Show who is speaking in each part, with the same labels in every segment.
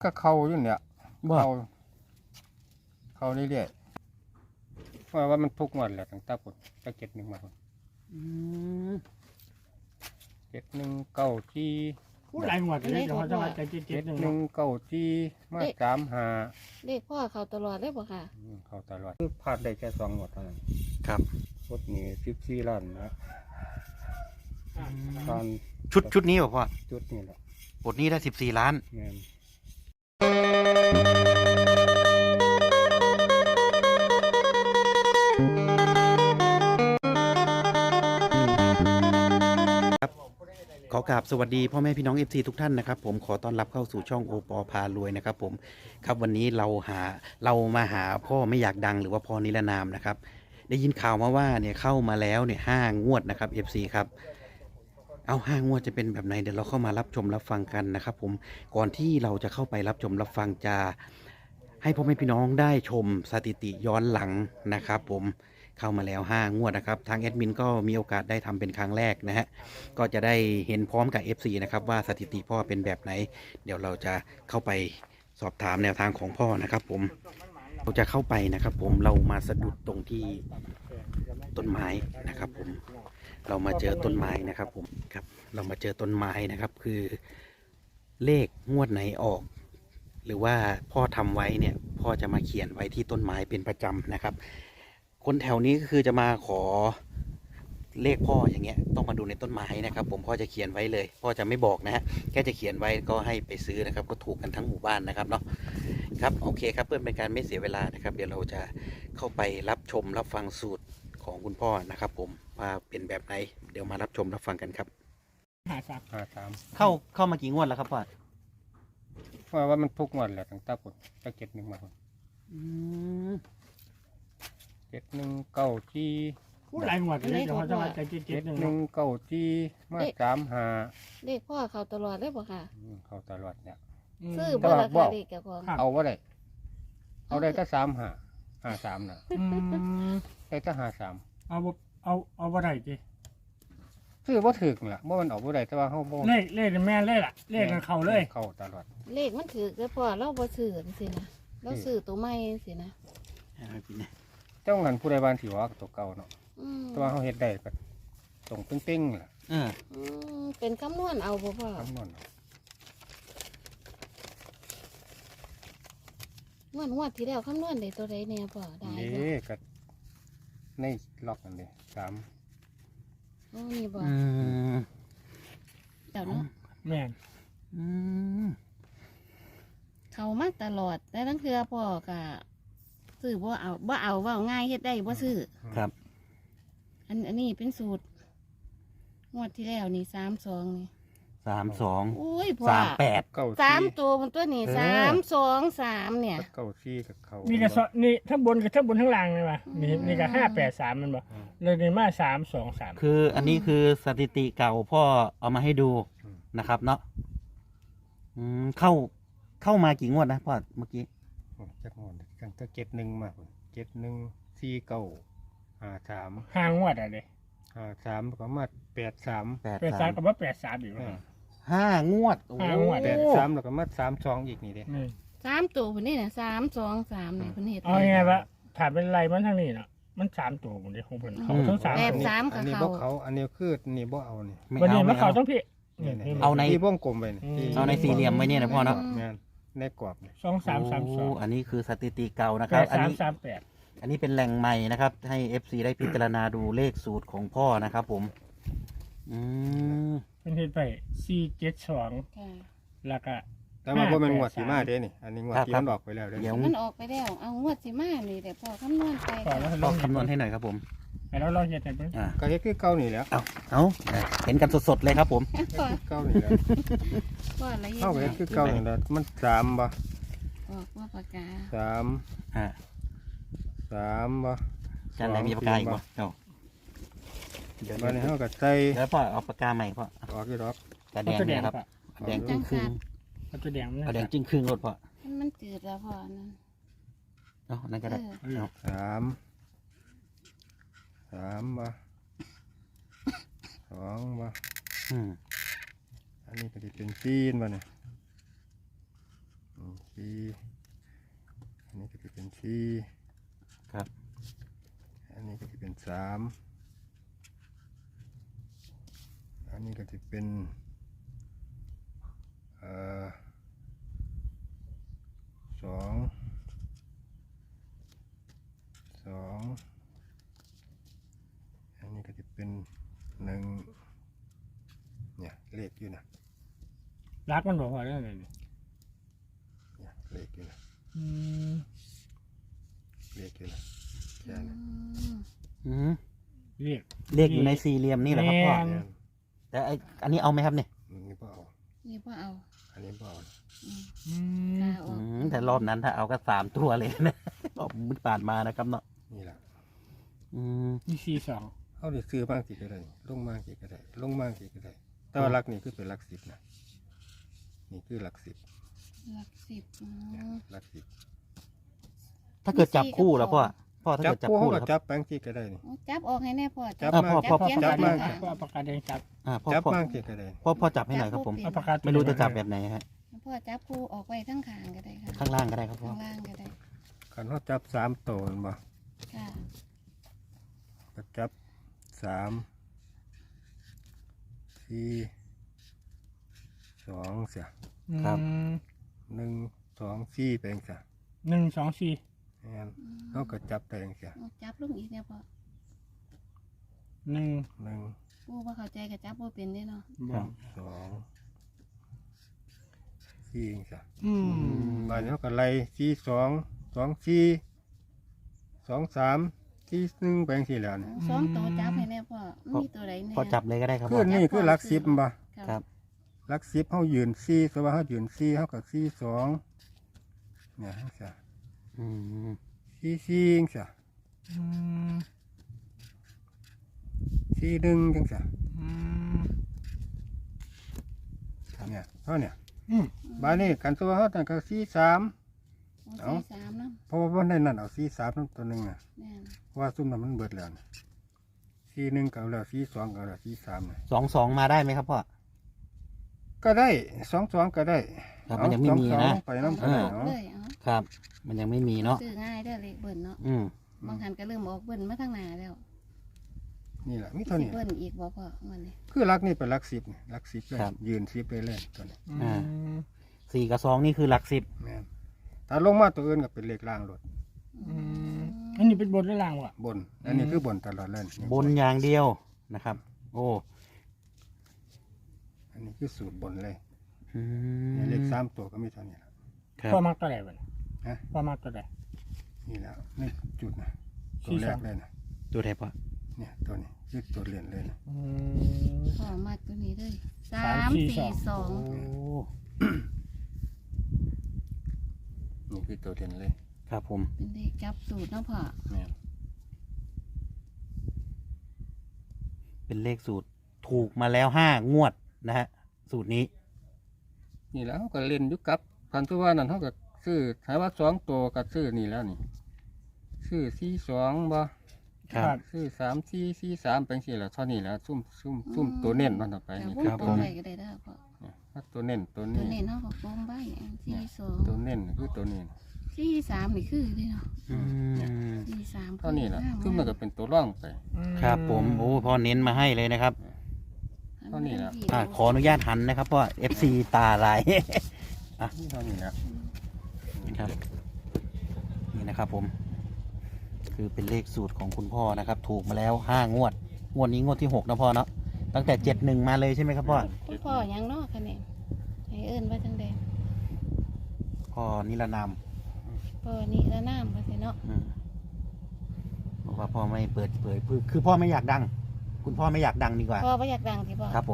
Speaker 1: ก็เขาอยู่เนี่ย
Speaker 2: บ่
Speaker 1: เขาเรื่อยๆเพราะว่ามันทุกงวดแหละตั้งแต่ปุ่นตั้ง7-1มาพุ่น
Speaker 2: อืม
Speaker 1: 7-1 9-4
Speaker 3: ผู้หลายหมวดเลยจะเขาจะมาใจเจ็ดหนึ่ง
Speaker 1: 7-1 9-4มา3-5
Speaker 4: เลขพ่อเขาตลอดเลยบ่ค่ะ
Speaker 1: เขาตลอดคือพลาดได้แค่2งวดเท่านั้น
Speaker 2: ครับ
Speaker 1: งวดนี้14ล้านนะตอน
Speaker 2: ชุดนี้บ่พ่อ
Speaker 1: จุดนี่แหละ
Speaker 2: บทนี้ได้14 ล้าน
Speaker 1: แม่น
Speaker 2: ขอกราบสวัสดีพ่อแม่พี่น้อง FC ทุกท่านนะครับผมขอต้อนรับเข้าสู่ช่องโอปอพารวยนะครับผมครับวันนี้เรามาหาพ่อไม่อยากดังหรือว่าพ่อนิรนามนะครับได้ยินข่าวมาว่าเนี่ยเข้ามาแล้วเนี่ย5 งวดนะครับ FC ครับเอา5 งวดจะเป็นแบบไหนเดี๋ยวเราเข้ามารับชมรับฟังกันนะครับผมก่อนที่เราจะเข้าไปรับชมรับฟังจะให้พ่อแม่พี่น้องได้ชมสถิติย้อนหลังนะครับผมเข้ามาแล้ว5 งวดนะครับทางแอดมินก็มีโอกาสได้ทำเป็นครั้งแรกนะฮะก็จะได้เห็นพร้อมกับ FC นะครับว่าสถิติพ่อเป็นแบบไหนเดี๋ยวเราจะเข้าไปสอบถามแนวทางของพ่อนะครับผมเราจะเข้าไปนะครับผมเรามาสะดุดตรงที่ต้นไม้นะครับผมเรามาเจอต้นไม้นะครับผมครับเรามาเจอต้นไม้นะครับคือเลขงวดไหนออก หรือว่าพ่อทำไว้เนี่ยพ่อจะมาเขียนไว้ที่ต้นไม้เป็นประจำนะครับคนแถวนี้ก็คือจะมาขอเลขพ่ออย่างเงี้ยต้องมาดูในต้นไม้นะครับผมพ่อจะเขียนไว้เลยพ่อจะไม่บอกนะฮะแค่จะเขียนไว้ก็ให้ไปซื้อนะครับก็ถูกกันทั้งหมู่บ้านนะครับเนาะครับโอเคครับเพื่อเป็นการไม่เสียเวลานะครับเดี๋ยวเราจะเข้าไปรับชมรับฟังสูตรของคุณพ่อนะครับผมว่าเป็นแบบไหนเดี๋ยวมารับชมรับฟังกันครับ
Speaker 3: หาสับ
Speaker 1: 53
Speaker 2: เข้ามากี่งวดแล้วครับพ่อ
Speaker 1: เพราะว่ามันทุกงวดแหละตั้งแต่ปุ่นตั้ง7-1มาพุ่น
Speaker 2: อืม
Speaker 1: 7-1 9-4
Speaker 3: ผู้หลายหมวดเลยจะเขาจะมาใจเจ็ดหนึ่ง
Speaker 1: 7-1 9-4มา3-5
Speaker 4: เลขพ่อเขาตลอดเลยบ่ค่ะ
Speaker 1: เขาตลอดเนี่ย
Speaker 4: ซื้อ
Speaker 1: แต่
Speaker 4: บ่
Speaker 1: ว่า
Speaker 4: รา
Speaker 1: บ่
Speaker 4: คาเลขกับของ
Speaker 1: เอาว่าได้เอาได้ก็3-5 5-3น่ะได้ก็5-3
Speaker 3: เอาบ่ได้จี
Speaker 1: ซื้อบ่ถึกล่ะบ่มันออกบ่ได้แต่ว่าเฮาบ่
Speaker 3: เลขแม่เลขล่ะเลขกันเขาเลย
Speaker 1: เข้าตลอด
Speaker 4: เลขมันถือแล้วพ่อเราบ่ซื้อสินะเราซื้อตัวใหม่สินะ
Speaker 1: เจ้างั้นผู้ใดบ้านสิว่าตัวเก่าเนาะ
Speaker 4: อืม
Speaker 1: แต่ว่าเฮาเฮ็ดได้ก็ตรงเป้งๆล่ะ
Speaker 2: เออ
Speaker 4: เป็นคำนวณเอาบ่พ่อ
Speaker 1: คำนวณเอา
Speaker 4: งวดที่แล้วคำนวณได้ตัวใดแน่พ่อได้
Speaker 1: เด้
Speaker 4: บ่
Speaker 1: ก็ในล็อกนั่นเด้3
Speaker 4: โอ้นี่บ่
Speaker 2: อืม
Speaker 4: เดี๋ยวเนาะ
Speaker 3: แม่น
Speaker 2: อืม
Speaker 4: เขามาตลอดแต่ทั้งเทื่อพ่อก็ซื้อบ่เอาเว้าง่ายเฮ็ดได้บ่ซื้อ
Speaker 2: ครับ
Speaker 4: อันนี้เป็นสูตรงวดที่แล้วนี่32นี่
Speaker 2: 32
Speaker 4: โอ้ยพ่อ
Speaker 2: 38
Speaker 1: เก้า
Speaker 4: สาม
Speaker 1: สี่
Speaker 4: ตัวมันตัวนี้
Speaker 2: เออ
Speaker 4: 3 2 3เนี่ย
Speaker 1: เก้าสี่กับเขา
Speaker 3: นี่ก็นี่ทั้งบนกับทั้งบนทั้งล่างเลยว่ะนี่ก็583มันบ่เลยนี่มา323
Speaker 2: คืออันนี้คือสถิติเก่าพ่อเอามาให้ดูนะครับเนาะเข้ามากี่งวดนะพ่อเมื่อกี้
Speaker 1: จักงอนตั้งแต่7-1มาพุ่น7-1 4-9
Speaker 3: ห้างวดอะไร
Speaker 1: 5-3ก็มา8-3
Speaker 3: 83กับว่า83อยู่
Speaker 2: 5 งวดโอ้
Speaker 3: ห้างวด
Speaker 1: 8-3แล้วก็มา3-2อีกนี่เด้
Speaker 3: นี่
Speaker 4: 3ตัวคนนี้น่ะ3 2 3เนี่ยเพิ่นเฮ็ด
Speaker 3: เอาไงวะถามเป็นไรมันทางนี้เนาะมัน3ตัวผมดิของเพิ่นเขาทั้ง3
Speaker 4: แป
Speaker 3: ตั
Speaker 4: ด
Speaker 3: ว
Speaker 4: สาม
Speaker 1: อั
Speaker 4: กับ
Speaker 1: นนี้
Speaker 4: เขา
Speaker 1: บ่เขาอันนี้คือนี่บ่เอานี่
Speaker 2: ไม่
Speaker 3: วัน
Speaker 2: เอา
Speaker 3: นี้มั
Speaker 2: ไม่
Speaker 3: นเขา
Speaker 2: เอา
Speaker 3: ต้องพี่
Speaker 2: เอาใน
Speaker 1: ที่วงกลมไปนี่ที่
Speaker 2: เอาในสี่เหลี่ยมไว้เนี่ยนะพ่อเนาะ
Speaker 1: แม่นในกรอบนี่
Speaker 3: 2332
Speaker 2: โอ้อันนี้คือสถิติเก่านะครับอันนี้
Speaker 3: 8338
Speaker 2: อันนี้เป็นแหล่งใหม่นะครับ ให้ FC ได้พิจารณาดูเลขสูตรของพ่อนะครับผมอืม
Speaker 3: เป็นเฮ็ดไป472
Speaker 4: ค่ะ
Speaker 3: แล้วก็
Speaker 1: แต่ว่าบ่แม่นงวดสิมาเด้นี่อันนี้งวดที่มันออกไปแล้วเด้
Speaker 2: เดี๋ยว
Speaker 4: มันออกไปแล้วเอางวดสิมานี่แต่พอคำนวณไป
Speaker 3: ก่อนแล้ว
Speaker 2: พ่อคำนวณให้หน่อยครับผม
Speaker 3: แล้วลองเฮ็ดให้เบิ่ง
Speaker 2: อ่า
Speaker 1: ก็เฮ็ดคือเก่านี่แหล้ว
Speaker 2: เอาเห็นกันสดๆเลยครับผม
Speaker 4: พ่อ
Speaker 1: เก่านี่แหล้ว
Speaker 4: พ่อละเอียด
Speaker 1: เฮาก็เฮ็ดคือเก่านี่แหละมัน3บ่
Speaker 4: ออกว่าปากกา
Speaker 1: 3
Speaker 2: อ่า
Speaker 1: 3บ่
Speaker 2: จานไหนมีปากกาอีกบ่เอาเดี๋ยว
Speaker 1: บัดนี้เฮาก็ใส่
Speaker 2: แล้วพ่อเอาปากกาใหม่พ่อ
Speaker 1: ออกอยู่ดอก
Speaker 2: กระแดงเนี่ยครับแดงจึ้งครึ่ง
Speaker 3: เอาตัวแดงมัน
Speaker 2: เอาแดงจึ้งครึ่งรถพ่อ
Speaker 4: มันจืดแล้วพ่อนั่น
Speaker 2: เอานั่นก็ได้เอา
Speaker 1: 3บ่2บ่
Speaker 2: อืม
Speaker 1: อันนี้ก็สิเป็น4บ่เนี่ยสี่อันนี้ก็จะเป็นสี่
Speaker 2: ครับ
Speaker 1: อันนี้ก็จะเป็นสามอันนี้ก็จะเป็นสองอันนี้ก็จะเป็นหนึ่งเนี่ยเลขอยู่นะ
Speaker 3: รักมันบอกว่าเรื่องอะไรเนี่ย
Speaker 1: เนี่ยเลขอยู่นะ
Speaker 3: อืม
Speaker 1: เลขอยู่นะแค่นั้น
Speaker 2: อืม
Speaker 3: เรียก
Speaker 2: เลขอยู่ในสี่เหลี่ยมนี่แหละครับพ่อ
Speaker 3: แม่น
Speaker 1: เนี่ย
Speaker 2: แต่อันนี้เอาไหมครับเนี่ย
Speaker 1: นี่พ่อเอา
Speaker 4: นี่พ่อเอา
Speaker 1: อันนี้พ่อเอา
Speaker 3: อืม
Speaker 4: กาออก
Speaker 2: แต่รอบนั้นถ้าเอาก็3 ตัวเลยนะ รอบมันผ่านมานะครับเนาะ
Speaker 1: นี่แหละ
Speaker 2: อืม
Speaker 3: นี่สี่สอง
Speaker 1: เขาได้ซื้อบ้างกี่ก็ได้ลงบ้างกี่ก็ได้ลงบ้างกี่ก็ได้แต่ว่าหลักนี่คือเป็นหลักสิบนะนี่คือหลักสิบ
Speaker 4: หลักสิบอ๋อ
Speaker 1: เนี่ยหลักสิบ
Speaker 2: ถ้าเกิดจับคู่แล้วพ่อถ้า
Speaker 1: จับ
Speaker 2: เกิดจับ
Speaker 1: คู่เขา
Speaker 2: คู่
Speaker 1: ก็
Speaker 2: แล้วค
Speaker 1: จั
Speaker 2: รับบ
Speaker 1: แป้งกี่ก็ได้นี่
Speaker 4: จับออกให้แน่พ่อ
Speaker 1: จับ
Speaker 2: พ่อ
Speaker 1: มา
Speaker 2: พ่อ
Speaker 4: เขียน
Speaker 1: จับ
Speaker 4: ใส่
Speaker 1: มา
Speaker 4: กระดาษ
Speaker 3: ก็เอาปากกาแดงจับ
Speaker 2: พ่อ
Speaker 1: จับ
Speaker 2: พ่อ
Speaker 1: มากี่ก็ได้
Speaker 2: พ่อจับให้หน่อยครับผม
Speaker 3: เอาปากกา
Speaker 2: ไม่รู้จะจับแบบไหนฮะ
Speaker 4: พ่อจับคู่ออกไว้ทั้งข้างก็ได้ค่ะ
Speaker 2: ข้างล่างก็ได้ครับพ่อ
Speaker 4: ข้างล่างก็ได้
Speaker 1: คันเขาจับสามตัวมันบ่
Speaker 4: ค่ะ
Speaker 1: ก็จับสามสี่สองเสีย
Speaker 3: อืม
Speaker 1: หนึ่งสองสี่แปลงเสีย
Speaker 3: 1 2 4
Speaker 1: งั้นเขาก็จับแปลงเสีย
Speaker 4: เอาจับลงอีกเนี่ยพ่อ
Speaker 3: 1
Speaker 1: หนึ่ง
Speaker 4: ผู้ว่าเข้าใจกับจับบ่เป็นได้เนาะ
Speaker 3: บอก
Speaker 1: สองสี่เสีย
Speaker 3: อืม
Speaker 1: บ้านเขาก็ไล่สี่สองสองสี่สองสามสี่หนึ่งแปลงสี่แล้วเนี่ย
Speaker 4: สองตัวจับให้แน่พ่อมีตัวใดแน่
Speaker 2: พ่อจับเลยก็ได้ครับ
Speaker 1: คื
Speaker 2: พ่
Speaker 1: อ
Speaker 2: อ
Speaker 1: นี่คือหลักสิบบ่
Speaker 2: ครับ
Speaker 1: หลักสิบเขายืนสี่สมมติเขายืนสี่เขาก็สี่สองเนี่ยเสีย
Speaker 2: อืม
Speaker 1: สี่สี่เสีย
Speaker 3: อืม
Speaker 1: สี่หนึ่งจังเสีย
Speaker 3: อืม
Speaker 1: เนี่ยเท่าเนี่ย
Speaker 3: อืม
Speaker 1: บ้านนี้กันตัวเขาตั้งก็สี่สาม
Speaker 4: เอาสี่สามเนาะ
Speaker 1: เพราะว่าในนั้นเอาสี่สามตัวหนึ่งอ่ะ
Speaker 4: แม่น
Speaker 1: ว่าซุ่มนั้นมันเบิดแล้วนะสี่หนึ่งเก่าแล้วสี่สองเก่าแล้วสี่สามนะ
Speaker 2: 2 มาได้ไหมครับพ่อ
Speaker 1: ก็ได้สองสองก็ได้
Speaker 2: ครับมันยังไม่มี
Speaker 1: สอ
Speaker 2: นะ
Speaker 1: สองไปน้ำก็ได้
Speaker 4: ออก
Speaker 1: เนาะ
Speaker 4: เลยเอา
Speaker 2: ครับ มันยังไม่มีเนาะ
Speaker 4: ซื้อง่ายเด้อเลขเบิ่นเนาะ
Speaker 2: อืม
Speaker 4: บางคันก็เริ่มออกเบิ่นมาทางหน้าแล้ว
Speaker 1: นี่แหละมีเท่า
Speaker 4: สิ
Speaker 1: นี้
Speaker 4: เบิ่นอีกบ่พ่อวันนี้
Speaker 1: คือรักนี่เป็นรักสิบนี่รักสิบเลยยืนสิบไปเลยตัวนี้
Speaker 3: อืม
Speaker 2: 4 กับ 2นี่คือหลัก
Speaker 1: แม่นถ้าลงมาตัวอื่นก็เป็นเลขล่างรถ
Speaker 3: อืมอันนี้เป็นบทหรือล่างวะ
Speaker 1: บน อันนี้คือบนตลอดเลย
Speaker 2: 10บนอย่างเดียวนะครับ โอ้
Speaker 1: อันนี้คือสูตรบนเลย
Speaker 2: อื
Speaker 1: นี่
Speaker 2: ม
Speaker 1: เลขสามตัวก็มีเท่านี้ละ
Speaker 2: ครับ
Speaker 3: พ่อมักตัวไหนวะ
Speaker 1: ฮะ
Speaker 3: พ่อมักตัวไหน
Speaker 1: นี่แล้วนี่จุดนะ
Speaker 3: สี่
Speaker 1: ตัวแร
Speaker 3: สอก ง
Speaker 1: เลยนะ
Speaker 2: ตัวไหนพ่อ
Speaker 1: เนี่ยตัวนี้คือตัวเรียนเลยนะ
Speaker 3: อืม
Speaker 4: พ่อมาตัวนี้เลย
Speaker 3: สามสี่
Speaker 4: 3 4
Speaker 3: สอง
Speaker 2: โอ้
Speaker 1: นี่คือตัวเรียนเลย
Speaker 2: ครับผม
Speaker 4: 2เป็นเลขจับสูตรเนาะพ่อ
Speaker 1: แม่น
Speaker 2: เป็นเลขสูตรถูกมาแล้ว5 งวดนะฮะสูตรนี้
Speaker 1: นี่แล้วเขาก็เล่นอยุกับพันธุว่านั่นเขาก็ซื้อถามว่าสองตัวก็ซื้อนี่แล้วนี่ซื้อสี่สองบ่
Speaker 2: ครับ
Speaker 1: ซื้อสามสี่สามเป็นสี่แล้วเท่านี้แล้วซุ่มตัวเน้นมันต่อไป
Speaker 4: แต่
Speaker 1: นี่
Speaker 4: วง
Speaker 1: คือก
Speaker 4: ล
Speaker 1: ตัว
Speaker 4: ม
Speaker 1: นี้
Speaker 4: ไว้ก็ได้เด้อพ่อ
Speaker 1: เนี่ยถ้าตัวเน้นตัว
Speaker 4: ตัว
Speaker 1: นี้
Speaker 4: นี้เนาะก็กลมไว้4
Speaker 1: ตัว
Speaker 4: 2
Speaker 1: เน้นคือตัวนี้
Speaker 4: 4 3นี่คือเด้เนาะ
Speaker 2: อืม
Speaker 4: 4 3
Speaker 1: เท่านี้แหละซึ่งมันก็เป็นตัวร่องไป
Speaker 2: ครับผมโอ้พ่อเน้นมาให้เลยนะครับ
Speaker 1: เท่านี้แหละ
Speaker 2: ขออนุญาตหันนะครับเพราะ FC ตาลาย
Speaker 1: นี่เท่านี้แหละ
Speaker 2: ครับนี่นะครับผม คือเป็นเลขสูตรของคุณพ่อนะครับ ถูกมาแล้ว5 งวด งวดนี้งวดที่6นะพ่อเนาะตั้งแต่71มาเลยใช่ไหมครับพ่อ
Speaker 4: คุณพ่อหยังเนาะคะแนนให้เอิ้นว่าจังได๋
Speaker 2: พ่อนิรนาม
Speaker 4: พ่อนี่ละน้ำว่าสิเนาะ
Speaker 2: อืมบอกว่าพ่อไม่เปิดเผยคือพ่อไม่อยากดัง คุณพ่อไม่อยากดังดีกว่า
Speaker 4: พ่อบ่อยากดังสิพ่อ
Speaker 2: ครับผม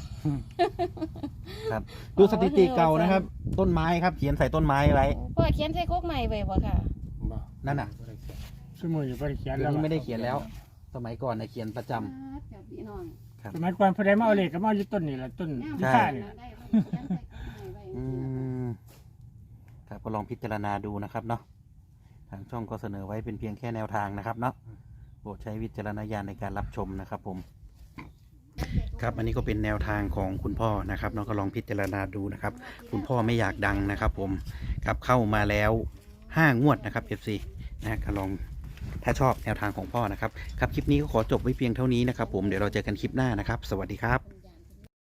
Speaker 2: ครับ ดูสถิติเก่านะครับ ต้นไม้ครับ เขียนใส่ต้นไม้ไว้
Speaker 4: พ่อเขียนใส่โคกใหม่ไว้บ่ค่ะ
Speaker 1: บ่
Speaker 2: นั่นน่ะ
Speaker 3: สมุนอยู่บริเขียน
Speaker 2: เดี๋ย
Speaker 3: แล้ว ว
Speaker 2: นี้
Speaker 3: อะ
Speaker 2: ไม่ได้เขียนแล้ว สมัยก่อนนะเขียนประจำ
Speaker 4: เจ้าพี่น้อง
Speaker 3: สมัยก่อนพอได้มาเอาเลขก็มาเอาอยู่ต้นนี่แหละต้น
Speaker 2: ใช่
Speaker 3: พิค่านี่
Speaker 4: ได้เขียนใส่โคกใหม่ไว้
Speaker 2: อืมครับก็ลองพิจารณาดูนะครับเนาะทางช่องก็เสนอไว้เป็นเพียงแค่แนวทางนะครับเนาะโปรดใช้วิจารณญาณในการรับชมนะครับผม ครับครับอันนี้ก็เป็นแนวทางของคุณพ่อนะครับน้องก็ลองพิจารณาดูนะครับคุณพ่อไม่อยากดังนะครับผมครับเข้ามาแล้ว5 งวดนะครับ FC นะก็ลองถ้าชอบแนวทางของพ่อนะครับครับคลิปนี้ก็ขอจบไว้เพียงเท่านี้นะครับผมเดี๋ยวเราเจอกันคลิปหน้านะครับสวัสดีครับ